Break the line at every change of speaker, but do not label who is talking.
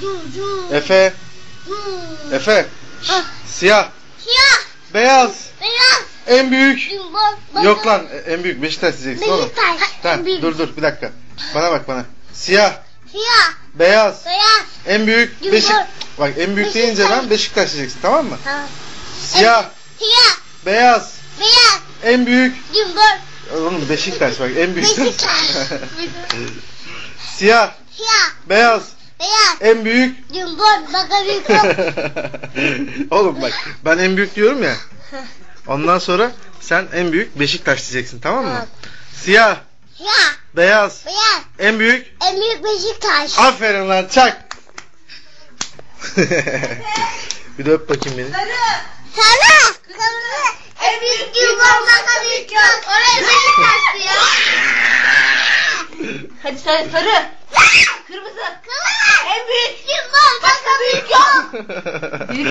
Efe. Efe. Siyah.
Siyah.
Beyaz.
Beyaz.
En büyük.
Baba.
Yok lan en büyük Beşiktaş diyeceksin oğlum.
Beşiktaş.
Tamam dur bir dakika. Bana bak bana. Siyah.
Siyah.
Beyaz.
Beyaz.
En büyük Bak en büyük deyince ben Beşiktaş diyeceksin tamam mı?
Tamam.
Siyah.
Siyah.
Beyaz.
Beyaz.
En büyük.
Cumhur.
Oğlum Beşiktaş bak en büyük.
Beşiktaş.
Siyah.
Siyah.
Beyaz.
Beyaz.
En büyük.
Cumhur. Bakalım.
Oğlum bak ben en büyük diyorum ya. Ondan sonra sen en büyük Beşiktaş diyeceksin tamam mı?
Tamam.
Siyah.
Siyah.
Beyaz.
Beyaz.
En büyük.
En büyük Beşiktaş.
Aferin lan çak. Bir de öp bakayım beni.
Sarı. Sarı. En büyük Cumhur. Bakalım. Oraya Beşiktaş'tı ya.
Hadi sen sarı. Kırmızı.
En büyük Cumhur. Bakalım.